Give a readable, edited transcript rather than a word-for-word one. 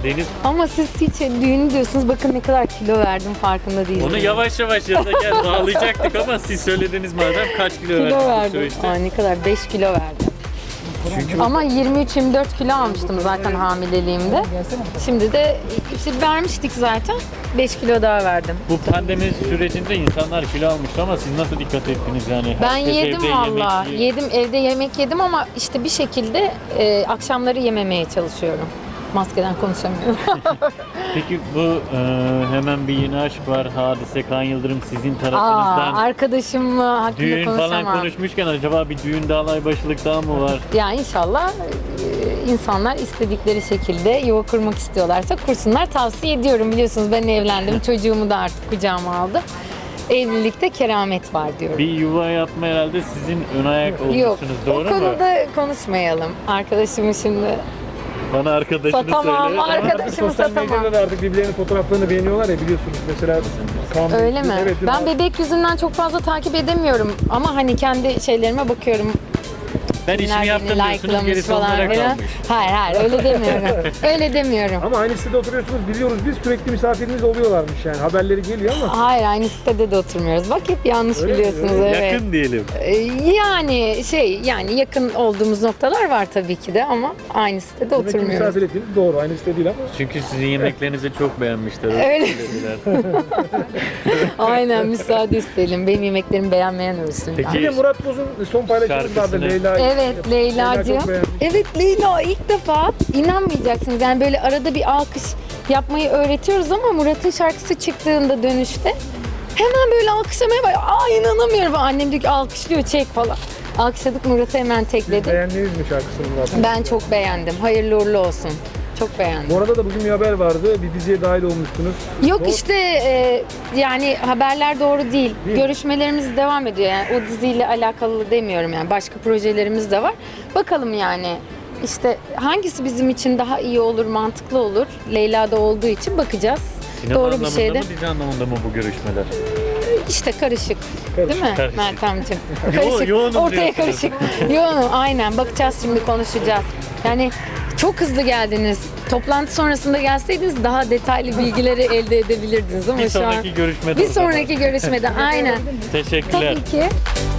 Deniz. Ama siz hiç düğün diyorsunuz. Bakın ne kadar kilo verdim farkında değilsiniz. Onu yavaş yavaş yazarken bağlayacaktık ama siz söylediniz madem kaç kilo kilo verdiniz bu verdim. süreçte? Aa, ne kadar? 5 kilo verdim. Ama 23-24 kilo almıştım zaten hamileliğimde. Şimdi de işte vermiştik zaten. 5 kilo daha verdim. Bu pandemi sürecinde insanlar kilo almıştı ama siz nasıl dikkat ettiniz yani? Ben Herkes yedim evde valla. yemek Yedim, evde yemek yedim ama işte bir şekilde akşamları yememeye çalışıyorum. Maskeden konuşamıyorum. Peki bu hemen bir yeni aşk var. Hadise Kaan Yıldırım sizin tarafınızdan. Arkadaşım hakkında Düğün konuşamam. falan konuşmuşken acaba bir düğün daha alaybaşılık daha mı var? Ya inşallah insanlar istedikleri şekilde yuva kurmak istiyorlarsa kursunlar. Tavsiye ediyorum. Biliyorsunuz ben evlendim. Çocuğumu da artık kucağıma aldım. Evlilikte keramet var diyorum. Bir yuva yapma herhalde sizin ön ayak Yok, olmuşsunuz, o doğru mu? konuda konuşmayalım. Arkadaşımı şimdi Bana arkadaşını satamam, söyle. arkadaşımı Sosyal satamam. medyada da artık birbirlerinin fotoğraflarını beğeniyorlar ya biliyorsunuz. Mesela Kaan Bey- Öyle mi? Evet, Ben bebek yüzünden çok fazla takip edemiyorum ama hani kendi şeylerime bakıyorum. Ben işimi Kimler yaptım beni diyorsunuz, likelamış gerisi onlara falan filan. kalmış. Hayır öyle demiyorum. Öyle demiyorum. Ama aynı sitede oturuyorsunuz biliyoruz biz sürekli misafiriniz oluyorlarmış yani haberleri geliyor ama. Hayır aynı sitede de oturmuyoruz. Bak hep yanlış Öyle mi? biliyorsunuz. Öyle Evet. Yakın diyelim. Yani yakın olduğumuz noktalar var tabii ki de ama aynı sitede Demek ki oturmuyoruz. misafir ettiğiniz doğru aynı site değil ama. Çünkü sizin yemeklerinizi çok beğenmişler. Öyle. söylediler. Aynen müsaade isteyelim. Benim yemeklerimi beğenmeyen ölsün. Peki. Bir de Murat Boz'un son paylaşımı vardı Şarkısını. Leyla. Evet Leyla'cığım. çok beğenmiş. Evet Leyla ilk defa inanmayacaksınız. Yani böyle arada bir alkış yapmayı öğretiyoruz ama Murat'ın şarkısı çıktığında dönüşte hemen böyle alkışlamaya başlıyor. Aa inanamıyorum. Annem diyor ki alkışlıyor çek falan. Alkışladık Murat'ı hemen tekledim. Beğendiniz mi şarkısını Murat'ın? Ben çok beğendim. Hayırlı uğurlu olsun. Çok beğendim. Bu arada da bugün bir haber vardı. Bir diziye dahil olmuşsunuz. Yok Doğru. işte yani haberler doğru değil. Değil mi? Görüşmelerimiz devam ediyor. Yani o diziyle alakalı demiyorum yani. Başka projelerimiz de var. Bakalım yani. İşte hangisi bizim için daha iyi olur, mantıklı olur? Leyla'da olduğu için bakacağız. Sinema Doğru bir anlamında şeyde. mı, dizi anlamında mı bu görüşmeler? İşte karışık. Değil mi Karışık. Meltemciğim? Yoğunum Ortaya diyorsunuz. karışık. Yoğunum aynen. Bakacağız şimdi konuşacağız. Yani çok hızlı geldiniz. Toplantı sonrasında gelseydiniz daha detaylı bilgileri elde edebilirdiniz ama Bir şu an sonraki görüşmede bir o zaman. sonraki görüşmede aynen. Teşekkürler. Tabii ki.